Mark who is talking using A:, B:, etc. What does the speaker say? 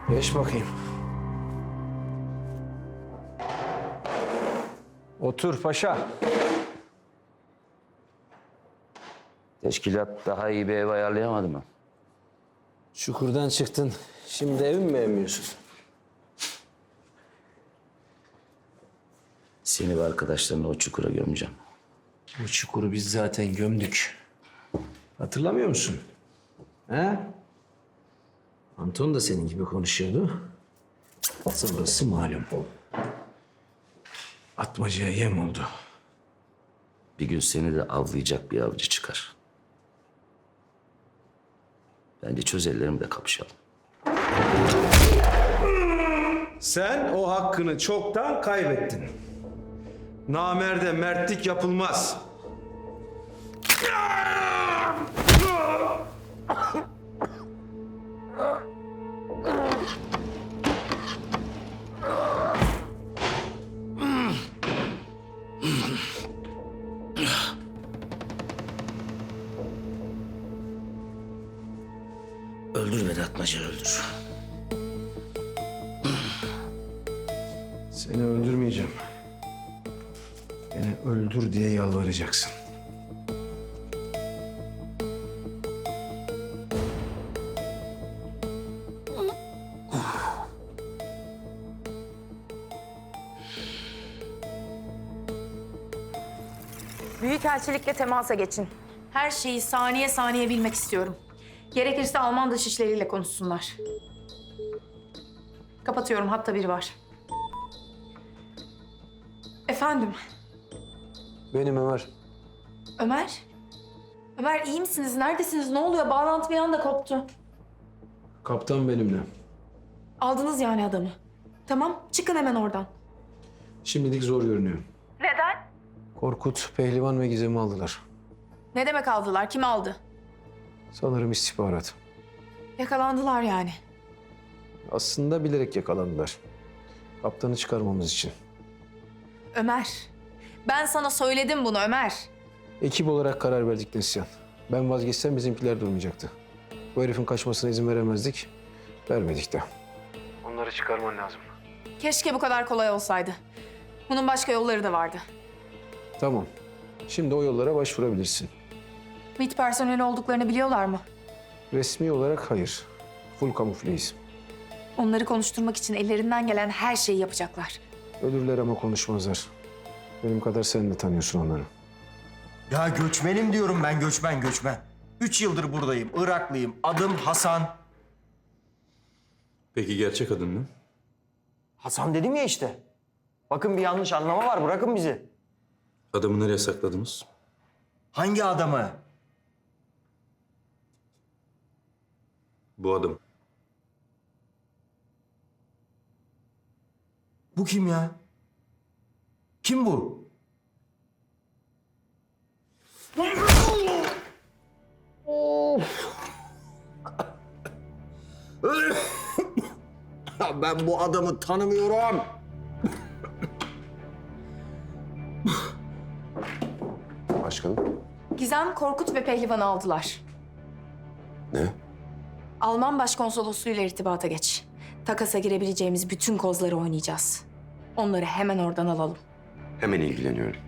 A: Geç bakayım. Otur paşa.
B: Teşkilat daha iyi bir ev ayarlayamadı mı?
A: Çukurdan çıktın. Şimdi ev mi beğenmiyorsun?
B: Seni ve arkadaşlarını o çukura gömeceğim.
A: Bu çukuru biz zaten gömdük. Hatırlamıyor musun? He? Anton da senin gibi konuşuyordu. Sırası malum. Atmacaya yem oldu.
B: Bir gün seni de avlayacak bir avcı çıkar. Bence çöz ellerimle kapışalım.
C: Sen o hakkını çoktan kaybettin. Namerde mertlik yapılmaz.
B: Öldür beni Atmaca, öldür.
C: Seni öldürmeyeceğim. Beni öldür diye yalvaracaksın.
D: Büyükelçilikle temasa geçin. Her şeyi saniye saniye bilmek istiyorum. Gerekirse Alman dışişleriyle konuşsunlar. Kapatıyorum, hatta biri var. Efendim,
A: Benim Ömer.
D: Ömer? Ömer iyi misiniz? Neredesiniz? Ne oluyor? Bağlantı bir anda koptu.
A: Kaptan benimle.
D: Aldınız yani adamı. Tamam, çıkın hemen oradan.
A: Şimdilik zor görünüyor.
D: Neden?
A: Korkut, Pehlivan ve Gizem'i aldılar.
D: Ne demek aldılar? Kim aldı?
A: Sanırım istihbarat.
D: Yakalandılar yani.
A: Aslında bilerek yakalandılar. Kaptanı çıkarmamız için.
D: Ömer, ben sana söyledim bunu Ömer.
A: Ekip olarak karar verdik Neslihan. Ben vazgeçsem bizimkiler durmayacaktı. Bu herifin kaçmasına izin veremezdik. Vermedik de. Onları çıkarman lazım.
D: Keşke bu kadar kolay olsaydı. Bunun başka yolları da vardı.
A: Tamam. Şimdi o yollara başvurabilirsin.
D: MİT personeli olduklarını biliyorlar mı?
A: Resmi olarak hayır. Full kamufleyiz.
D: Onları konuşturmak için ellerinden gelen her şeyi yapacaklar.
A: Ölürler ama konuşmazlar. Benim kadar sen de tanıyorsun onları.
E: Ya göçmenim diyorum ben, göçmen. 3 yıldır buradayım, Iraklıyım. Adım Hasan.
F: Peki gerçek adın ne?
E: Hasan dedim ya işte. Bakın bir yanlış anlama var, bırakın bizi.
F: Adamı nereye sakladınız?
E: Hangi adamı?
F: Bu adam.
E: Bu kim ya? Kim bu? Ben bu adamı tanımıyorum.
A: Başkanım.
D: Gizem, Korkut ve Pehlivan'ı aldılar.
A: Ne?
D: Alman başkonsolosluğuyla irtibata geç. Takasa girebileceğimiz bütün kozları oynayacağız. Onları hemen oradan alalım.
G: Hemen ilgileniyorum.